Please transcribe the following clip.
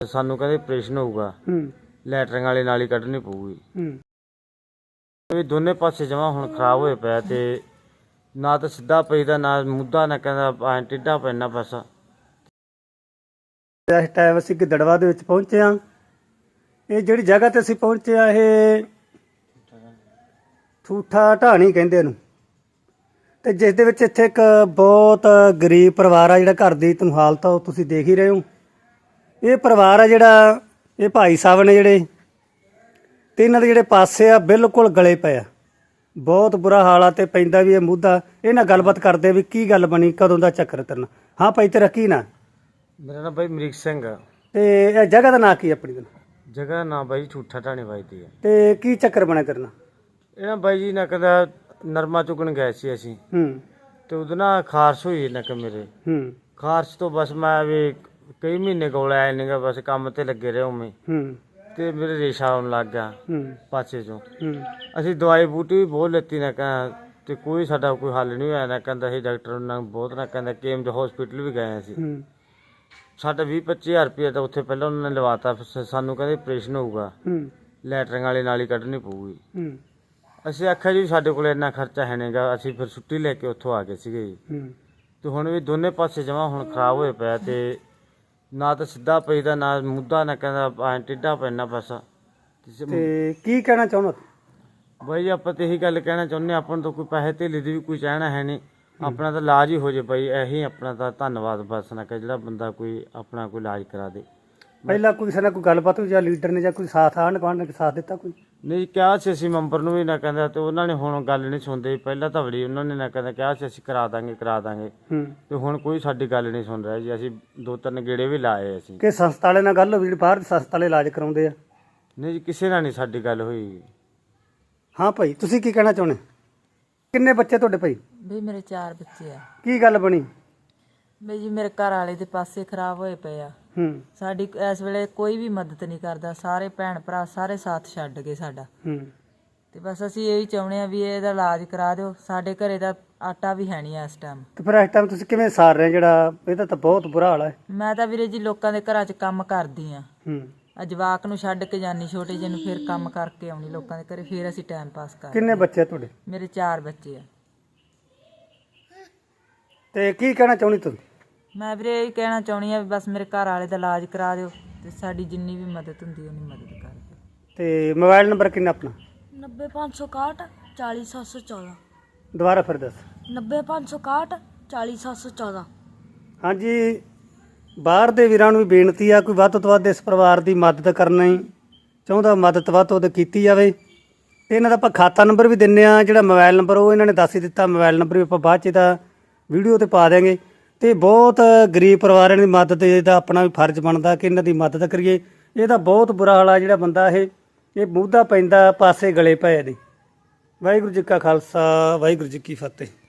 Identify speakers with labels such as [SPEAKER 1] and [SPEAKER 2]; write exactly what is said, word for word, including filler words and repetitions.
[SPEAKER 1] ਸਾਨੂੰ ਕਹਿੰਦੇ ਆਪਰੇਸ਼ਨ ਹੋਊਗਾ, ਲੈਟਰਿੰਗ ਵਾਲੀ ਨਾਲੀ ਕੱਢਣੀ ਪਊਗੀ। ਇਹ ਦੋਨੇ ਪਾਸੇ ਜਮਾ ਹੁਣ ਖਰਾਬ ਹੋਏ ਪਿਆ ਤੇ ਨਾ ਤਾਂ ਸਿੱਧਾ ਪਈਦਾ ਨਾ ਮੁੱਦਾ, ਨਾ ਕਹਿੰਦਾ ਐਂ ਟੇਢਾ ਪੈਣਾ ਬਸ।
[SPEAKER 2] ਇਸ ਟਾਈਮ ਅਸੀਂ ਗਿੱਦੜਵਾ ਦੇ ਵਿੱਚ ਪਹੁੰਚੇ ਹਾਂ। ਇਹ ਜਿਹੜੀ ਜਗ੍ਹਾ ਤੇ ਅਸੀਂ ਪਹੁੰਚੇ ਆ ਇਹ ਠੂਠਾ ਢਾਣੀ ਕਹਿੰਦੇ ਇਹਨੂੰ, ਤੇ ਜਿਸ ਦੇ ਵਿੱਚ ਇੱਥੇ ਇੱਕ ਬਹੁਤ ਗਰੀਬ ਪਰਿਵਾਰ ਆ ਜਿਹੜਾ ਘਰ ਦੀ ਤੁਹਾਨੂੰ ਹਾਲਤ ਆ ਉਹ ਤੁਸੀਂ ਦੇਖ ਹੀ ਰਹੇ ਹੋ। ਇਹ ਪਰਿਵਾਰ ਆ ਜਿਹੜਾ ਇਹ ਭਾਈ ਸਾਹਿਬ ਨੇ ਜਿਹੜੇ ਤੇ ਇਹਨਾਂ ਦੇ ਜਿਹੜੇ ਪਾਸੇ ਆ ਬਿਲਕੁਲ ਗਲੇ ਪਏ ਆ, ਬਹੁਤ ਬੁਰਾ ਹਾਲ ਆ ਤੇ ਪੈਂਦਾ ਵੀ ਇਹ ਮੁੱਦਾ। ਇਹ ਨਾਲ ਗੱਲਬਾਤ ਕਰਦੇ ਵੀ ਕੀ ਗੱਲ ਬਣੀ, ਕਦੋਂ ਦਾ ਚੱਕਰ ਤੇਰੇ ਨਾਲ। ਹਾਂ ਭਾਈ ਤੇਰਾ ਕੀ ਨਾਂ?
[SPEAKER 1] ਮੇਰਾ ਨਾਮ ਬਾਈ ਅਮਰੀਕ ਸਿੰਘ ਆ।
[SPEAKER 2] ਤੇ ਇਹ ਜਗ੍ਹਾ ਦਾ ਨਾਂ ਕੀ ਆਪਣੀ ਦਾ?
[SPEAKER 1] ਜਗ੍ਹਾ ਦਾ ਨਾਂ ਬਾਈ ਠੂਠਾ ਢਾਣੀ ਵੱਜਦੀ ਆ।
[SPEAKER 2] ਤੇ ਕੀ ਚੱਕਰ ਬਣਿਆ ਤੇਰੇ ਨਾਲ?
[SPEAKER 1] ਇਹ ਨਾ ਬਾਈ ਜੀ ਨਾ ਕਹਿੰਦਾ ਨਰਮਾ ਚੁਗਣ ਗਏ ਸੀ ਅਸੀਂ,
[SPEAKER 2] ਹੂੰ
[SPEAKER 1] ਤੇ ਉਹਦੇ ਨਾਲ ਖਾਰਸ਼ ਹੋਈ ਨਾ ਕਿ ਮੇਰੇ
[SPEAKER 2] ਹੂੰ
[SPEAKER 1] ਖਾਰਸ਼ ਤੋਂ ਬਸ ਮੈਂ ਵੀ ਕਈ ਮਹੀਨੇ ਕੋਲ ਆਇਆ ਨਹੀਂਗਾ, ਬਸ ਕੰਮ ਤੇ ਲੱਗੇ ਰਹੇ ਉਵੇਂ,
[SPEAKER 2] ਹੂੰ
[SPEAKER 1] ਤੇ ਮੇਰੇ ਰੇਸ਼ਾ ਆਉਣ ਲੱਗ ਗਿਆ
[SPEAKER 2] ਹੂੰ
[SPEAKER 1] ਪਾਸੇ ਚੋਂ।
[SPEAKER 2] ਹੂੰ
[SPEAKER 1] ਅਸੀਂ ਦਵਾਈ ਬੂਟੀ ਵੀ ਬਹੁਤ ਲੈਤੀ ਨਾ ਕਹਿੰਦਾ, ਤੇ ਕੋਈ ਸਾਡਾ ਕੋਈ ਹੱਲ ਨਹੀਂ ਹੋਇਆ ਨਾ ਕਹਿੰਦਾ। ਇਹ ਡਾਕਟਰ ਨਾਲ ਬਹੁਤ ਨਾ ਕਹਿੰਦਾ ਕੇਮ ਦੇ ਹਸਪੀਟਲ ਵੀ ਗਏ ਅਸੀਂ।
[SPEAKER 2] ਹੂੰ
[SPEAKER 1] ਸਾਡਾ ਵੀਹ ਪੱਚੀ ਹਜ਼ਾਰ ਰੁਪਇਆ ਤਾਂ ਉੱਥੇ ਪਹਿਲਾਂ ਉਹਨਾਂ ਨੇ ਲਵਾਤਾ। ਫਿਰ ਸਾਨੂੰ ਕਹਿੰਦੇ ਆਪਰੇਸ਼ਨ ਹੋਊਗਾ,
[SPEAKER 2] ਹੂੰ
[SPEAKER 1] ਲੈਟਰਿੰਗ ਵਾਲੀ ਨਾਲੀ ਕੱਢਣੀ ਪਊਗੀ।
[SPEAKER 2] ਹੂੰ
[SPEAKER 1] ਅਸੀਂ ਆਖਿਆ ਜੀ ਸਾਡੇ ਕੋਲ ਇੰਨਾ ਖਰਚਾ ਹੈ ਨਹੀਂਗਾ, ਅਸੀਂ ਫਿਰ ਛੁੱਟੀ ਲੈ ਕੇ ਉੱਥੋਂ ਆ ਗਏ ਸੀਗੇ ਜੀ।
[SPEAKER 2] ਹੂੰ
[SPEAKER 1] ਤੇ ਹੁਣ ਵੀ ਦੋਨੇ ਪਾਸੇ ਜਮਾ ਹੁਣ ਖਰਾਬ ਹੋਏ ਪਿਆ ਤੇ ਨਾ ਤਾਂ ਸਿੱਧਾ ਪਈਦਾ ਨਾ ਮੁੱਦਾ, ਨਾ ਕਹਿੰਦਾ ਐਂ ਟੇਢਾ ਪੈਣਾ ਬਸ।
[SPEAKER 2] ਤੇ ਕੀ ਕਹਿਣਾ ਚਾਹੁੰਦਾ?
[SPEAKER 1] ਬਾਈ ਆਪਾਂ ਤੇ ਇਹੀ ਗੱਲ ਕਹਿਣਾ ਚਾਹੁੰਦੇ, ਆਪਾਂ ਨੂੰ ਤਾਂ ਕੋਈ ਪੈਸੇ ਧੇਲੇ ਦੀ ਵੀ ਕੋਈ ਚਾਹਣਾ ਹੈ ਨਹੀਂ, ਆਪਣਾ ਤਾਂ ਇਲਾਜ ਹੀ ਹੋ ਜੇ ਬਾਈ। ਇਹੀ ਆਪਣਾ ਤਾਂ ਧੰਨਵਾਦ ਬਸ ਨਾ ਕਿ ਜਿਹੜਾ ਬੰਦਾ ਕੋਈ ਆਪਣਾ ਕੋਈ ਇਲਾਜ ਕਰਾ ਦੇ।
[SPEAKER 2] ਪਹਿਲਾਂ ਕੋਈ ਕਿਸੇ ਨਾਲ ਕੋਈ ਗੱਲਬਾਤ ਹੋਈ ਜਾਂ ਲੀਡਰ ਨੇ ਜਾਂ ਕੋਈ ਸਾਥ ਆਂਢ ਗੁਆਂਢ ਨੇ ਸਾਥ ਦਿੱਤਾ ਕੋਈ?
[SPEAKER 1] ਨਹੀਂ ਕਿਹਾ ਸੀ ਅਸੀਂ ਮੈਂਬਰ ਨੂੰ ਵੀ ਨਾ ਕਹਿੰਦਾ, ਤੇ ਉਹਨਾਂ ਨੇ ਹੁਣ ਗੱਲ ਨਹੀਂ ਸੁਣਦੇ। ਪਹਿਲਾਂ ਤਾਂ ਬੜੀ ਉਹਨਾਂ ਨੇ ਨਾ ਕਹਿੰਦਾ ਕਿਹਾ ਸੀ ਅਸੀਂ ਕਰਾ ਦਾਂਗੇ ਕਰਾ ਦਾਂਗੇ,
[SPEAKER 2] ਹੂੰ
[SPEAKER 1] ਤੇ ਹੁਣ ਕੋਈ ਸਾਡੀ ਗੱਲ ਨਹੀਂ ਸੁਣ ਰਿਹਾ ਜੀ। ਅਸੀਂ ਦੋ ਤਿੰਨ ਗੇੜੇ ਵੀ ਲਾਏ ਅਸੀਂ।
[SPEAKER 2] ਕਿ ਸੰਸਥਾ ਵਾਲੇ ਨਾਲ ਗੱਲ ਹੋਈ ਜਿਹੜੀ ਬਾਹਰ ਦੀ ਸੰਸਥਾ ਵਾਲੇ ਇਲਾਜ ਕਰਾਉਂਦੇ ਆ?
[SPEAKER 1] ਨਹੀਂ ਜੀ ਕਿਸੇ ਨਾਲ ਨਹੀਂ ਸਾਡੀ ਗੱਲ ਹੋਈ।
[SPEAKER 2] ਹਾਂ ਭਾਈ ਤੁਸੀਂ ਕੀ ਕਹਿਣਾ ਚਾਹੁੰਦੇ? ਕਿੰਨੇ ਬੱਚੇ ਤੁਹਾਡੇ ਭਾਈ?
[SPEAKER 3] ਬਈ ਮੇਰੇ ਚਾਰ ਬੱਚੇ ਆ।
[SPEAKER 2] ਕੀ ਗੱਲ ਬਣੀ?
[SPEAKER 3] ਬਈ ਜੀ ਮੇਰੇ ਘਰ ਵਾਲੇ ਦੇ ਪਾਸੇ ਖਰਾਬ ਹੋਏ ਪਏ ਆ।
[SPEAKER 2] ਹੂੰ
[SPEAKER 3] ਸਾਡੀ ਇਸ ਵੇਲੇ ਕੋਈ ਵੀ ਮਦਦ ਨਹੀਂ ਕਰਦਾ, ਸਾਰੇ ਭੈਣ ਭਰਾ ਸਾਰੇ ਸਾਥ ਛੱਡ ਗਏ ਸਾਡਾ।
[SPEAKER 2] ਹੂੰ
[SPEAKER 3] ਤੇ ਬਸ ਅਸੀਂ ਇਹੀ ਚਾਹੁੰਦੇ ਆ ਵੀ ਇਹਦਾ ਇਲਾਜ ਕਰਾ ਦਿਓ। ਸਾਡੇ ਘਰੇ ਦਾ ਆਟਾ ਵੀ ਹੈ ਨਹੀਂ ਇਸ ਟਾਈਮ।
[SPEAKER 2] ਤੇ ਫਿਰ ਇਸ ਟਾਈਮ ਤੁਸੀਂ ਕਿਵੇਂ ਸਾਰ ਰਹੇ? ਜਿਹੜਾ ਇਹਦਾ ਤਾਂ ਬਹੁਤ ਬੁਰਾ ਹਾਲ ਹੈ।
[SPEAKER 3] ਮੈਂ ਤਾਂ ਵੀਰੇ ਜੀ ਲੋਕਾਂ ਦੇ ਘਰਾਂ 'ਚ ਕੰਮ ਕਰਦੀ ਆ।
[SPEAKER 2] ਹੂੰ
[SPEAKER 3] ਆ ਜਵਾਕ ਨੂੰ ਛੱਡ ਕੇ ਜਾਨੀ ਛੋਟੇ ਜਿਹੇ ਨੂੰ, ਫਿਰ ਕੰਮ ਕਰਕੇ ਆਉਣੀ ਲੋਕਾਂ ਦੇ ਘਰੇ, ਫਿਰ ਅਸੀਂ ਟਾਈਮ ਪਾਸ ਕਰਦੇ।
[SPEAKER 2] ਕਿੰਨੇ ਬੱਚੇ ਤੁਹਾਡੇ?
[SPEAKER 3] ਮੇਰੇ ਚਾਰ ਬੱਚੇ ਆ।
[SPEAKER 2] ਤੇ ਕੀ ਕਹਿਣਾ ਚਾਹੁੰਦੀ ਤੂੰ?
[SPEAKER 3] ਮੈਂ ਵੀਰੇ ਇਹ ਕਹਿਣਾ ਚਾਹੁੰਦੀ ਆ ਵੀ ਬਸ ਮੇਰੇ ਘਰ ਵਾਲੇ ਦਾ ਇਲਾਜ ਕਰਾ ਦਿਓ ਤੇ ਸਾਡੀ ਜਿੰਨੀ ਵੀ ਮਦਦ ਹੁੰਦੀ ਉਹਨੀ ਮਦਦ ਕਰ ਦਿਓ।
[SPEAKER 2] ਤੇ ਮੋਬਾਈਲ ਨੰਬਰ ਕਿੰਨਾ ਆਪਣਾ?
[SPEAKER 4] ਨੱਬੇ ਪੰਜ ਸੌ ਇਕਾਹਠ ਚਾਲੀ ਸੱਤ ਸੌ ਚੌਦਾਂ।
[SPEAKER 2] ਦੁਬਾਰਾ ਫਿਰ ਦੱਸ।
[SPEAKER 4] ਨੱਬੇ ਪੰਜ ਸੌ ਇਕਾਹਠ ਚਾਲੀ ਸੱਤ ਸੌ ਚੌਦਾਂ।
[SPEAKER 2] ਹਾਂਜੀ ਬਾਹਰ ਦੇ ਵੀਰਾਂ ਨੂੰ ਵੀ ਬੇਨਤੀ ਆ, ਕੋਈ ਵੱਧ ਤੋਂ ਵੱਧ ਇਸ ਪਰਿਵਾਰ ਦੀ ਮਦਦ ਕਰਨਾ ਹੀ ਚਾਹੁੰਦਾ, ਮਦਦ ਵੱਧ ਤੋਂ ਵੱਧ ਕੀਤੀ ਜਾਵੇ। ਤੇ ਇਹਨਾਂ ਦਾ ਆਪਾਂ ਖਾਤਾ ਨੰਬਰ ਵੀ ਦਿੰਨੇ ਆ, ਜਿਹੜਾ ਮੋਬਾਈਲ ਨੰਬਰ ਉਹ ਇਹਨਾਂ ਨੇ ਦੱਸ ਹੀ ਦਿੱਤਾ। ਮੋਬਾਈਲ ਨੰਬਰ ਵੀ ਆਪਾਂ ਬਾਅਦ 'ਚ ਇਹਦਾ ਵੀਡੀਓ ਤੇ ਪਾ ਦਿਆਂਗੇ। ਤੇ ਬਹੁਤ ਗਰੀਬ ਪਰਿਵਾਰਾਂ ਦੀ ਮਦਦ ਇਹਦਾ ਆਪਣਾ ਵੀ ਫਰਜ਼ ਬਣਦਾ ਕਿ ਇਹਨਾਂ ਦੀ ਮਦਦ ਕਰੀਏ। ਇਹਦਾ ਬਹੁਤ ਬੁਰਾ ਹਾਲ ਆ ਜਿਹੜਾ ਬੰਦਾ ਇਹ ਇਹ ਮੁੱਦਾ ਪੈਂਦਾ ਪਾਸੇ ਗਲੇ ਪਏ ਨੇ। ਵਾਹਿਗੁਰੂ ਜੀ ਕਾ ਖਾਲਸਾ ਵਾਹਿਗੁਰੂ ਜੀ ਕੀ ਫਤਿਹ।